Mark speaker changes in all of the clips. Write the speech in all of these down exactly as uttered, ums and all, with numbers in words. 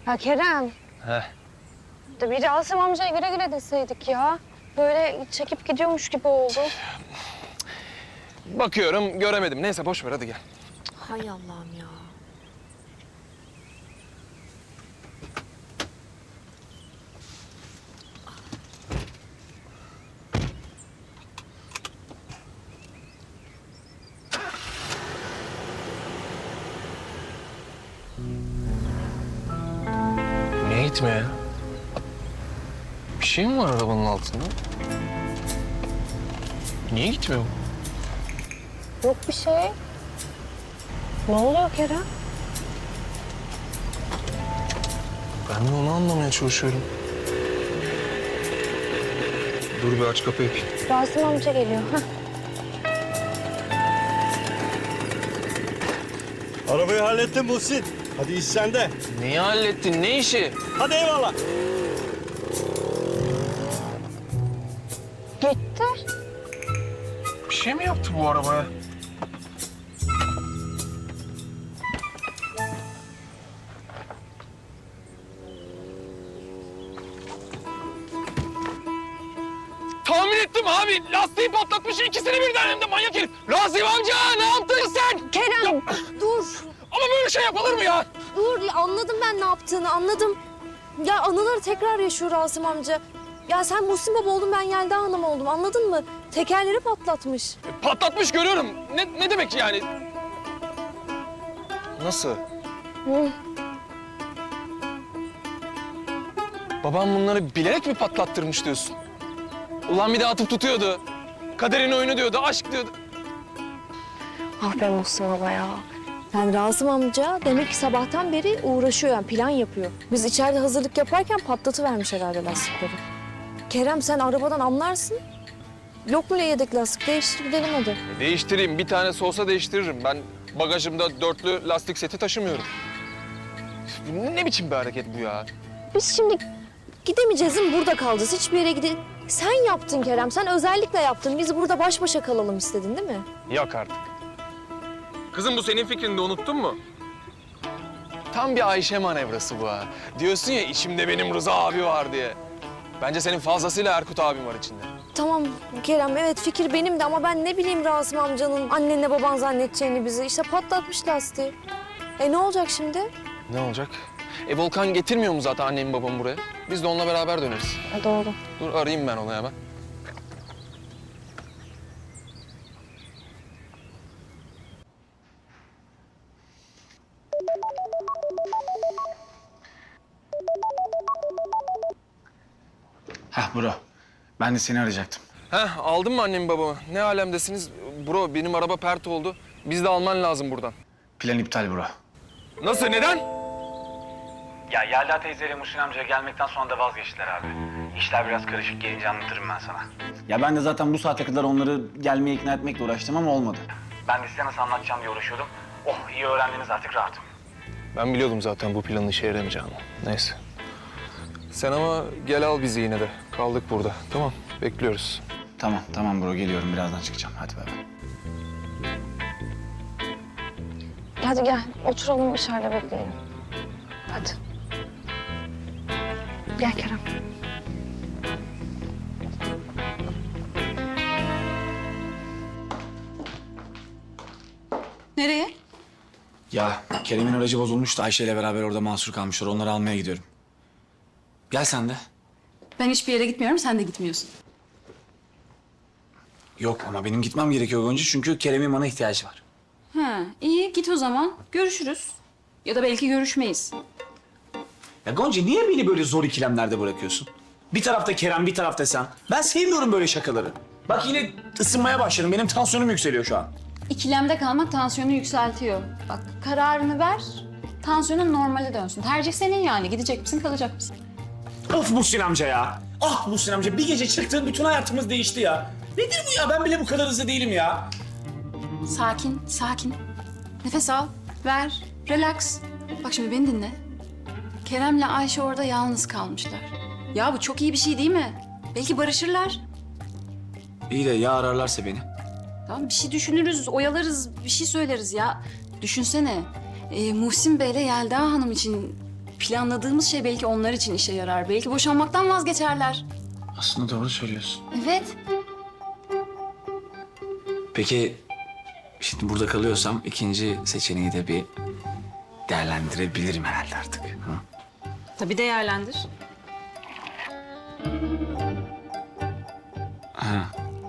Speaker 1: Ya Kerem,
Speaker 2: Heh.
Speaker 1: de bir Asım amcaya güle güle deseydik ya. Böyle çekip gidiyormuş gibi oldu.
Speaker 2: Bakıyorum göremedim. Neyse boş ver hadi gel.
Speaker 1: Hay Allah'ım ya.
Speaker 2: Niye gitmiyor ya? Bir şey mi var arabanın altında? Niye gitmiyor bu?
Speaker 1: Yok bir şey. Ne oluyor Kerem?
Speaker 2: Ben de onu anlamaya çalışıyorum. Dur bir aç kapıyı.
Speaker 1: Rasim amca geliyor. Hah.
Speaker 3: Arabayı hallettim Muhsin. Hadi iş sende.
Speaker 2: Neyi hallettin? Ne işi?
Speaker 3: Hadi eyvallah.
Speaker 1: Gitti.
Speaker 2: Bir şey mi yaptı bu arabaya? Tahmin ettim abi. Lastiği patlatmış ikisini birden hem de manyak herif. Rasim amca ne yaptın sen?
Speaker 1: Kerem, dur.
Speaker 2: Ama böyle şey yapılır mı ya?
Speaker 1: Dur, anladım ben ne yaptığını, anladım. Ya anıları tekrar yaşıyor Rasim amca. Ya sen Muhsin Baba oldun, ben Yelda Hanım oldum, anladın mı? Tekerleri patlatmış.
Speaker 2: Patlatmış görüyorum. Ne, ne demek yani? Nasıl?
Speaker 1: Hı.
Speaker 2: Babam bunları bilerek mi patlattırmış diyorsun? Ulan bir de atıp tutuyordu. Kaderin oyunu diyordu, aşk diyordu.
Speaker 1: Ah be Muhsin Baba ya. Yani Rasim amca demek ki sabahtan beri uğraşıyor, yani plan yapıyor. Biz içeride hazırlık yaparken patlatıvermiş herhalde lastikleri. Kerem sen arabadan anlarsın. Yok mu yedek lastik? Değiştir gidelim hadi.
Speaker 2: E, değiştireyim, bir tanesi olsa değiştiririm. Ben bagajımda dörtlü lastik seti taşımıyorum. Bu ne biçim bir hareket bu ya?
Speaker 1: Biz şimdi gidemeyeceğiz değil mi? Burada kalacağız. Hiçbir yere gidelim. Sen yaptın Kerem. Sen özellikle yaptın. Biz burada baş başa kalalım istedin değil mi?
Speaker 2: Yok artık. Kızım bu senin fikrini de unuttun mu? Tam bir Ayşe manevrası bu ha. Diyorsun ya içimde benim Rıza abi var diye. Bence senin fazlasıyla Erkut abim var içinde.
Speaker 1: Tamam Kerem, evet fikir benim de ama ben ne bileyim Rasim amcanın annenle baban zannedeceğini bizi. İşte patlatmış lastiği. E ne olacak şimdi?
Speaker 2: Ne olacak? E Volkan getirmiyor mu zaten annemi babamı buraya? Biz de onunla beraber döneriz.
Speaker 1: E, doğru.
Speaker 2: Dur arayayım ben onu hemen.
Speaker 4: Heh bro, ben de seni arayacaktım.
Speaker 2: Heh aldın mı annemi babamı? Ne alemdesiniz? Bro benim araba pert oldu. Biz de alman lazım buradan.
Speaker 4: Plan iptal bro.
Speaker 2: Nasıl neden?
Speaker 4: Ya Yelda teyzeyle Muhsin amcaya gelmekten sonra da vazgeçtiler abi. İşler biraz karışık, gelince anlatırım ben sana. Ya ben de zaten bu saate kadar onları gelmeye ikna etmekle uğraştım ama olmadı. Ben de size nasıl anlatacağım diye uğraşıyordum. Oh iyi öğrendiniz artık rahatım.
Speaker 2: Ben biliyordum zaten bu planın işe yaramayacağını. Neyse. Sen ama gel al bizi yine de. Kaldık burada. Tamam bekliyoruz.
Speaker 4: Tamam tamam bro geliyorum birazdan çıkacağım hadi bay bay.
Speaker 1: Hadi gel oturalım dışarıda bekleyelim. Hadi. Gel Kerem.
Speaker 5: Nereye?
Speaker 4: Ya Kerem'in aracı bozulmuş da Ayşe ile beraber orada mahsur kalmışlar. Onları almaya gidiyorum. Gel sen de.
Speaker 5: Ben hiçbir yere gitmiyorum, sen de gitmiyorsun.
Speaker 4: Yok ama benim gitmem gerekiyor Gonca çünkü Kerem'in bana ihtiyacı var.
Speaker 5: Ha, iyi git o zaman. Görüşürüz. Ya da belki görüşmeyiz.
Speaker 4: Ya Gonca niye beni böyle zor ikilemlerde bırakıyorsun? Bir tarafta Kerem, bir tarafta sen. Ben sevmiyorum böyle şakaları. Bak yine ısınmaya başladım. Benim tansiyonum yükseliyor şu an.
Speaker 5: İkilemde kalmak tansiyonu yükseltiyor. Bak kararını ver, tansiyonun normale dönsün. Tercih senin yani. Gidecek misin, kalacak mısın?
Speaker 4: Of Muhsin amca ya. Ah Muhsin amca bir gece çıktığın bütün hayatımız değişti ya. Nedir bu ya? Ben bile bu kadar hızlı değilim ya.
Speaker 5: Sakin, sakin. Nefes al, ver, relax. Bak şimdi beni dinle. Kerem'le Ayşe orada yalnız kalmışlar. Ya bu çok iyi bir şey değil mi? Belki barışırlar.
Speaker 4: İyi de ya ararlarsa beni?
Speaker 5: Tamam bir şey düşünürüz, oyalarız, bir şey söyleriz ya. Düşünsene, e, Muhsin Bey'le Yelda Hanım için planladığımız şey belki onlar için işe yarar. Belki boşanmaktan vazgeçerler.
Speaker 4: Aslında doğru söylüyorsun.
Speaker 5: Evet.
Speaker 4: Peki şimdi burada kalıyorsam ikinci seçeneği de bir değerlendirebilirim herhalde artık. Hı?
Speaker 5: Tabii değerlendir.
Speaker 4: Ha.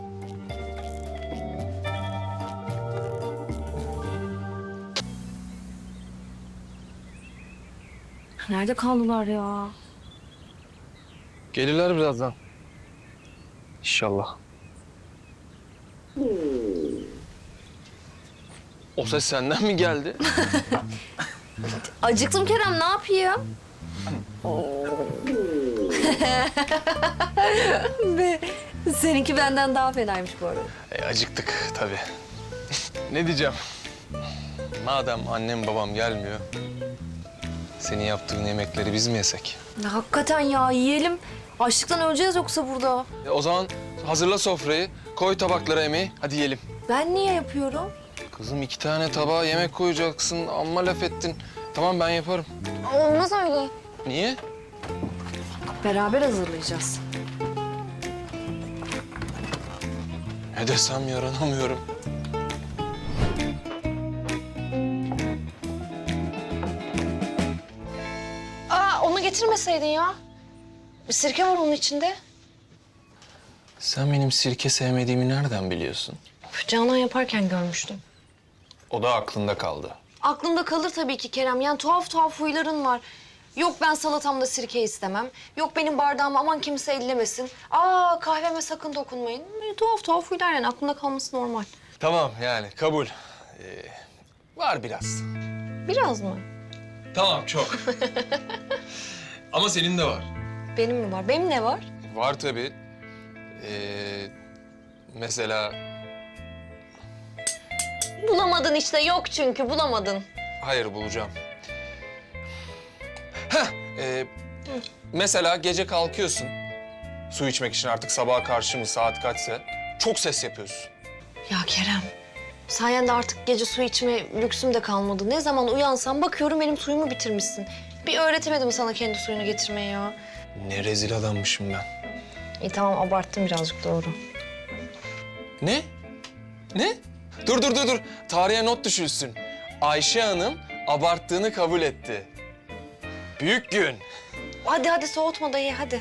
Speaker 1: Nerede kaldılar ya?
Speaker 2: Gelirler birazdan. İnşallah. O ses senden mi geldi?
Speaker 1: Acıktım Kerem, ne yapayım? Be, seninki benden daha fenaymış bu arada.
Speaker 2: E, acıktık tabii. Ne diyeceğim? Madem annem babam gelmiyor, senin yaptığın yemekleri biz mi yesek?
Speaker 1: Ya, hakikaten ya, yiyelim. Açlıktan öleceğiz yoksa burada.
Speaker 2: E, o zaman hazırla sofrayı, koy tabaklara yemeği, hadi yiyelim.
Speaker 1: Ben niye yapıyorum?
Speaker 2: Kızım iki tane tabağa yemek koyacaksın, amma laf ettin. Tamam ben yaparım.
Speaker 1: Olmaz öyle.
Speaker 2: Niye?
Speaker 1: Beraber hazırlayacağız.
Speaker 2: Ne desem yaranamıyorum.
Speaker 1: Aa, onu getirmeseydin ya. Bir sirke var onun içinde.
Speaker 2: Sen benim sirke sevmediğimi nereden biliyorsun?
Speaker 1: Canan yaparken görmüştüm.
Speaker 2: O da aklında kaldı.
Speaker 1: Aklımda kalır tabii ki Kerem. Yani tuhaf tuhaf huyların var. Yok ben salatamda sirke istemem. Yok benim bardağımı aman kimse ellemesin. Aa kahveme sakın dokunmayın. Böyle tuhaf tuhaf huylar yani aklımda kalması normal.
Speaker 2: Tamam yani kabul. Ee, var biraz.
Speaker 1: Biraz mı?
Speaker 2: Tamam çok. Ama senin de var.
Speaker 1: Benim mi var? Benim ne var?
Speaker 2: Var tabii. Ee, mesela
Speaker 1: Bulamadın işte. Yok çünkü bulamadın.
Speaker 2: hayır bulacağım. Heh, ee, mesela gece kalkıyorsun. Su içmek için artık sabaha karşı mı saat kaçsa çok ses yapıyorsun.
Speaker 1: Ya Kerem, sayende artık gece su içme lüksüm de kalmadı. Ne zaman uyansam bakıyorum benim suyumu bitirmişsin. Bir öğretemedim sana kendi suyunu getirmeyi ya.
Speaker 2: Ne rezil adammışım ben.
Speaker 1: İyi tamam abarttım birazcık doğru.
Speaker 2: Ne? Ne? Dur dur dur dur. Tarihe not düşülsün. Ayşe Hanım abarttığını kabul etti. Büyük gün.
Speaker 1: Hadi hadi soğutma da ye hadi.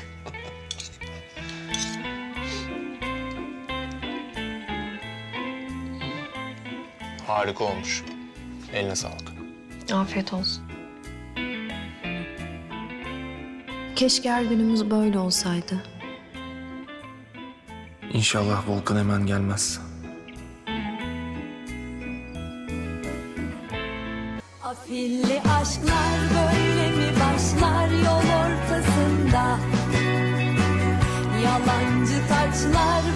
Speaker 2: Harika olmuş. Eline sağlık.
Speaker 1: Afiyet olsun. Keşke her günümüz böyle olsaydı.
Speaker 2: İnşallah Volkan hemen gelmez.
Speaker 6: Afilli aşklar böyle mi başlar yol ortasında? Yalancı taçlar